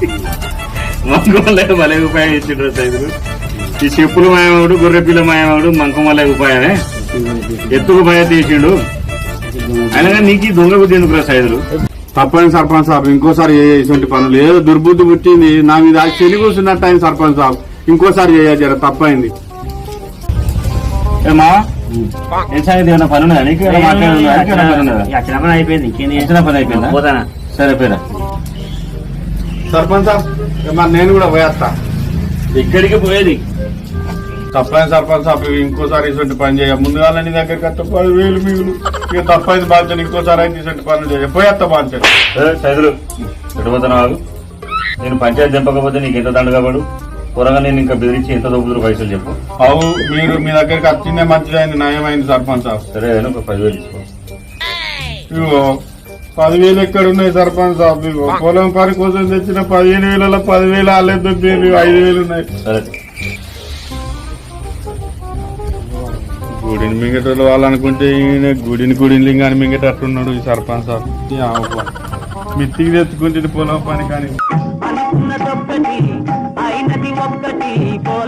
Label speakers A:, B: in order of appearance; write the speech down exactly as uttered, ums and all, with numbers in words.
A: మంకుమల్లయ్య భలే ఉపాయం ఇచ్చిండ్రు సైదులు. ఈ చెప్పులు మాయమాడు, గొర్రె పిల్ల మాయమాడు మంకుమల్లయ్య ఉపాయమే. ఎత్తుకు భయ తీసిండు. అయినా నీకు దొంగ బుద్ధి ఎందుకు సైదులు?
B: తప్పని సర్పంచ్ సాబ్ ఇంకోసారి ఇటువంటి పనులు ఏదో దుర్బుద్ధి పుట్టింది నా మీద చెని కూర్చున్నట్టు అయింది సర్పంచ్ సాబ్. ఇంకోసారి చేయజర తప్పైంది.
A: ఏమా ఏం సంగతి? ఏమైనా పని ఉన్నదా నీకు?
C: వచ్చిన పని అయిపోయింది. ఇంకేంది?
A: వచ్చిన పని అయిపోయిందా?
C: పోతానా?
A: సరే పేరా.
B: సర్పంచ్ సాబ్ మరి నేను కూడా పోయేస్తా.
A: ఇక్కడికి పోయేది
B: తప్పైంది సర్పంచ్ సాబ్. ఇంకోసారి ఇటువంటి పని చేయ. ముందుగా నీ దగ్గరికి వస్తే పదివేలు మిగులు. ఇక తప్పైంది బాధ్యత. ఇంకోసారి అయితే ఇటువంటి పనులు చేయ. పోయేస్తా బాధ్యత.
A: సైదులు ఎటుపోతున్నావు? నేను పంచాయతీ చంపకపోతే నీకు ఎంత దండగాబడు? త్వరగా నేను ఇంకా బెదిరించి ఎంత దొబ్బుతురు పైసలు చెప్పు.
B: అవు మీరు మీ దగ్గరికి వచ్చిందే మంచిదైంది, నయమైంది సర్పంచ్ సాబ్.
A: సరే ఒక పదివేలు ఇచ్చుకో.
B: ఇగో పదివేలు ఎక్కడ ఉన్నాయి సర్పంచ్ సాబ్? ఇగో పొలం పని కోసం తెచ్చిన పదిహేను వేలలో పదివేలు ఆలేదు, ఐదు వేలు ఉన్నాయి.
A: సరే
B: గుడిని మింగటోళ్ళు వాళ్ళనుకుంటే ఈయన గుడిని గుడిని లింగాన్ని మింగేటట్టున్నాడు ఈ సర్పంచ్ సాబ్. మిత్తికి తెచ్చుకుంటే పొలం పని కానీ
D: అనుకున్నదొక్కటి అయినది ఒక్కటి